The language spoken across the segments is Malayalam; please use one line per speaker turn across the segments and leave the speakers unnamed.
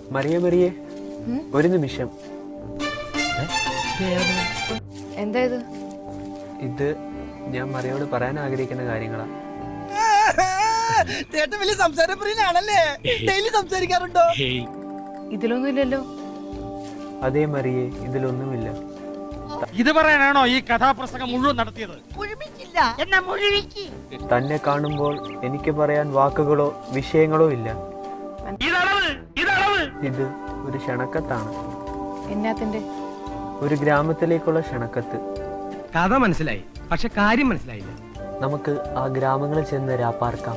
മറിയേ ഒരു നിമിഷം.
എന്താ ഇത്?
ഇത് ഞാൻ മറിയോട് പറയാൻ ആഗ്രഹിക്കുന്ന കാര്യങ്ങളാ.
വലിയ സംസാരപ്രിയനാണല്ലേ? ഡെയിലി സംസാരിക്കാറുണ്ടോ?
ഇതിലൊന്നുമില്ലല്ലോ.
അതേ മറിയേ, ഇതിലൊന്നുമില്ല.
ഇത് പറയാനാണോ ഈ കഥാപ്രസംഗം മുഴുവൻ നടത്തിയത്?
തന്നെ കാണുമ്പോൾ എനിക്ക് പറയാൻ വാക്കുകളോ വിഷയങ്ങളോ ഇല്ല. ഇത് ഒരു ക്ഷണക്കത്താണ്.
എന്നാത്തിന്റെ?
ഒരു ഗ്രാമത്തിലേക്കുള്ള ക്ഷണക്കത്ത്.
കഥ മനസ്സിലായി, പക്ഷെ കാര്യം മനസ്സിലായില്ല.
നമുക്ക് ആ ഗ്രാമങ്ങളിൽ ചെന്ന് രാപ്പാർക്കാം.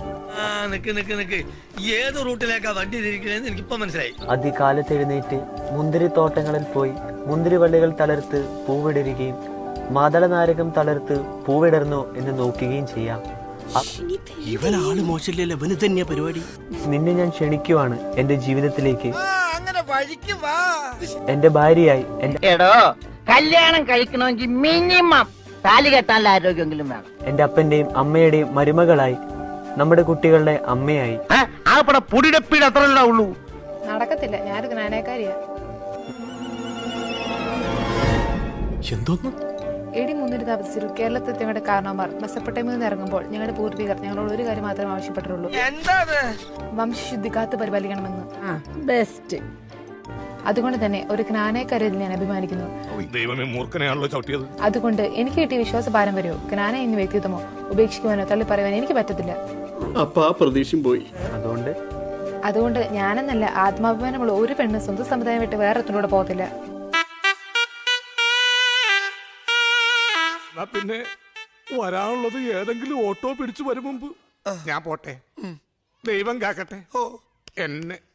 ഏത് റൂട്ടിലേക്കാ വണ്ടി തിരിക്കണേന്ന് എനിക്കിപ്പോ മനസ്സിലായി.
അതികാലത്ത് എഴുന്നേറ്റ് മുന്തിരിത്തോട്ടങ്ങളിൽ പോയി മുന്തിരിവള്ളികൾ തളർത്ത് പൂവിടരുകയും മാതളനാരകം തളർത്ത് പൂവിടർന്നോ എന്ന് നോക്കുകയും ചെയ്യാം.
ഇവനാള് മോശമില്ലല്ലോ, ഇവന് തന്നെയാ പരിപാടി.
നിന്നെ ഞാൻ ക്ഷണിക്കുവാണ് എന്റെ ജീവിതത്തിലേക്ക്, എന്റെ ഭാര്യയായി.
എടോ, കല്യാണം കഴിക്കണമെങ്കിൽ മിനിമം താലി കെട്ടാനുള്ള ആരോഗ്യമെങ്കിലും വേണം.
എന്റെ അപ്പന്റെയും അമ്മയുടെയും മരുമകളായി, നമ്മുടെ കുട്ടികളുടെ അമ്മയായി.
പൊടിയുടെ അത്ര ഉള്ളൂ.
നടക്കത്തില്ല, ഞാനൊരു ജ്ഞാനക്കാരിയാ.
എന്തോന്നു?
എടി മുന്നിട്ട് താമസിച്ചു കേരളത്തിൽ ഞങ്ങളുടെ കാരണവന്മാർ മെസ്സപ്പൊട്ടേമിൽ നിന്ന് ഇറങ്ങുമ്പോൾ ഞങ്ങളുടെ പൂർവികർ ഞങ്ങളോട് ഒരു കാര്യം മാത്രമേ ആവശ്യപ്പെട്ടുള്ളൂ. വംശശുദ്ധി കാത്തു പരിപാലിക്കണമെന്ന്. ബെസ്റ്റ്. അതുകൊണ്ട് തന്നെ ഒരു ജ്ഞാനക്കാരിൽ ഞാൻ അഭിമാനിക്കുന്നു. അതുകൊണ്ട് എനിക്ക് കിട്ടിയ വിശ്വാസ പാരമ്പര്യമോ ജ്ഞാന എന്ന വ്യക്തിത്വമോ ഉപേക്ഷിക്കുവാനോ തള്ളി പറയുവാനോ എനിക്ക് പറ്റത്തില്ല.
പോയി.
അതുകൊണ്ട് ഞാനെന്നല്ല, ആത്മാഭിമാനമുള്ള ഒരു പെണ്ണ് സ്വന്തം സമുദായം വിട്ട് വേറെ ഒന്നിലൂടെ പോകത്തില്ല.
പിന്നെ വരാനുള്ളത് ഏതെങ്കിലും ഓട്ടോ പിടിച്ചു വരും മുമ്പ് ഞാൻ പോട്ടെ. ദൈവം കാക്കട്ടെ എന്നെ.